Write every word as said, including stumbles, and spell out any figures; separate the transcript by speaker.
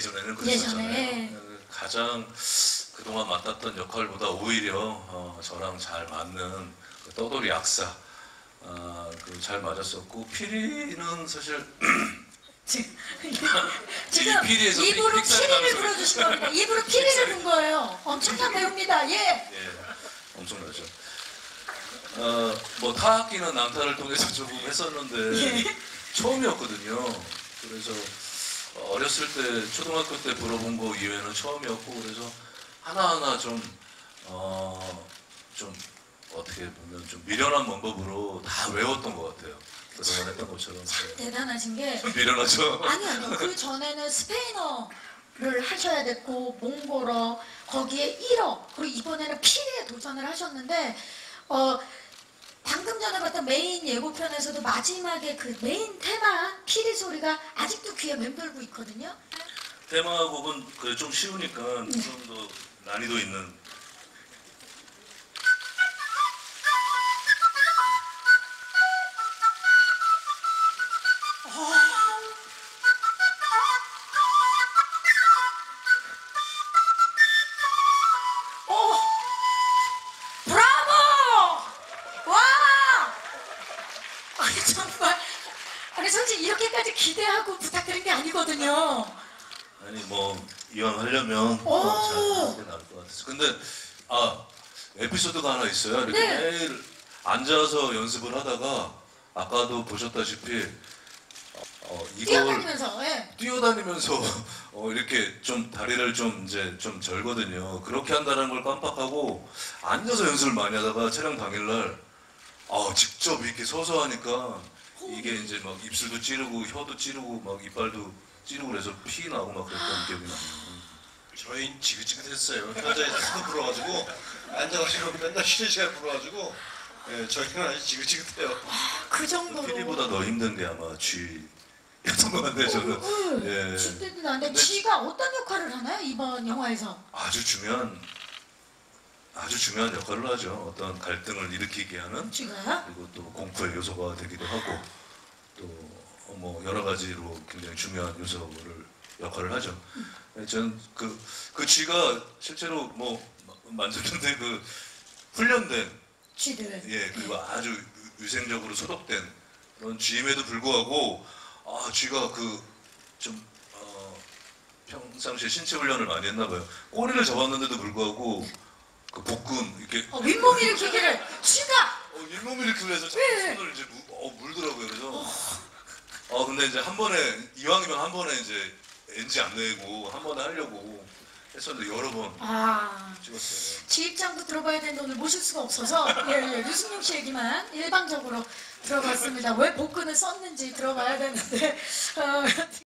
Speaker 1: 예전에는 그랬었잖아요.
Speaker 2: 예전에.
Speaker 1: 가장 그동안 맡았던 역할보다 오히려 어, 저랑 잘 맞는 그 떠돌이 약사 어, 그 잘 맞았었고 피리는 사실
Speaker 2: 지금, 지금
Speaker 1: 피리에서
Speaker 2: 입으로
Speaker 1: 픽- 픽사를
Speaker 2: 피리를
Speaker 1: 가면서-
Speaker 2: 불어주신 겁니다. 입으로 피리를 분 거예요. 엄청난 배우입니다. 예.
Speaker 1: 예, 엄청나죠. 어, 뭐 타악기는 낭타를 통해서 조금 했었는데
Speaker 2: 예.
Speaker 1: 처음이었거든요. 그래서 어렸을 때 초등학교 때 불어본 거 이외에는 처음이었고 그래서 하나하나 좀 어, 좀 어떻게 보면 좀 미련한 방법으로 다 외웠던 것 같아요. 그동안 했던 것처럼.
Speaker 2: 대단하신 게
Speaker 1: 미련하죠.
Speaker 2: 아니 아니요. 그 전에는 스페인어를 하셔야 됐고 몽골어 거기에 일어 그리고 이번에는 피리에 도전을 하셨는데 어 방금 전에 봤던 메인 예고편에서도 마지막에 그 메인 테마 피리 소리가 아직도 귀에 맴돌고 있거든요.
Speaker 1: 테마곡은 그 좀 쉬우니까 좀 더 난이도 있는.
Speaker 2: 오! 브라보! 와! 아니 정말 아니 솔직히 이렇게까지 기대하고 부탁드린 게 아니거든요.
Speaker 1: 아니 뭐 이왕 하려면
Speaker 2: 오!
Speaker 1: 잘 하는 게 나을 것 같아서. 근데 아 에피소드가 하나 있어요. 이렇게
Speaker 2: 네.
Speaker 1: 매일 앉아서 연습을 하다가 아까도 보셨다시피 어, 이걸
Speaker 2: 뛰어다니면서 예.
Speaker 1: 뛰어다니면서 어, 이렇게 좀 다리를 좀 이제 좀 절거든요. 그렇게 한다는 걸 깜빡하고 앉아서 연습을 많이 하다가 촬영 당일날 아, 직접 이렇게 서서 하니까 이게 이제 막 입술도 찌르고 혀도 찌르고 막 이빨도 찌르고 그래서 피 나고 막 그랬던 기억이 나요.
Speaker 3: 저희 지긋지긋했어요. 현장에서 하도 불어가지고 앉아가지고 맨날 쉬는 시간 불어가지고 예, 저희는 아주 지긋지긋해요.
Speaker 2: 그 정도로.
Speaker 1: 피리보다 더 힘든 게 아마 쥐였던 것 같아요. 저는. 예.
Speaker 2: 쥐때도 나는데
Speaker 1: 근데
Speaker 2: 쥐가 어떤 역할을 하나요 이번 영화에서?
Speaker 1: 아주 중요한 아주 중요한 역할을 하죠. 어떤 갈등을 일으키게 하는
Speaker 2: 쥐가요?
Speaker 1: 그리고 또 공포의 요소가 되기도 하고 또 뭐 여러 가지로 굉장히 중요한 요소를 역할을 하죠. 저는 그, 그 쥐가 실제로 뭐 만졌는데 그 훈련된
Speaker 2: 쥐들.
Speaker 1: 예 그리고 아주 위생적으로 소독된 그런 쥐임에도 불구하고 아 쥐가 그 좀 어, 평상시에 신체 훈련을 많이 했나 봐요. 꼬리를 잡았는데도 불구하고 그 복근 이렇게
Speaker 2: 어, 윗몸 일으키기를 쥐가
Speaker 1: 어, 잇몸 일으키고 해서 자꾸
Speaker 2: 네.
Speaker 1: 손을 이제 무, 어, 물더라고요. 그래서 어 근데 이제 한 번에 이왕이면 한 번에 이제 엔지 안 내고 한 번에 하려고 했었는데 여러 번
Speaker 2: 아.
Speaker 1: 찍었어요.
Speaker 2: 쥐 입장도 들어봐야 되는데 오늘 모실 수가 없어서 예, 예, 류승용 씨 얘기만 일방적으로 들어봤습니다. 왜 복근을 썼는지 들어봐야 되는데 어,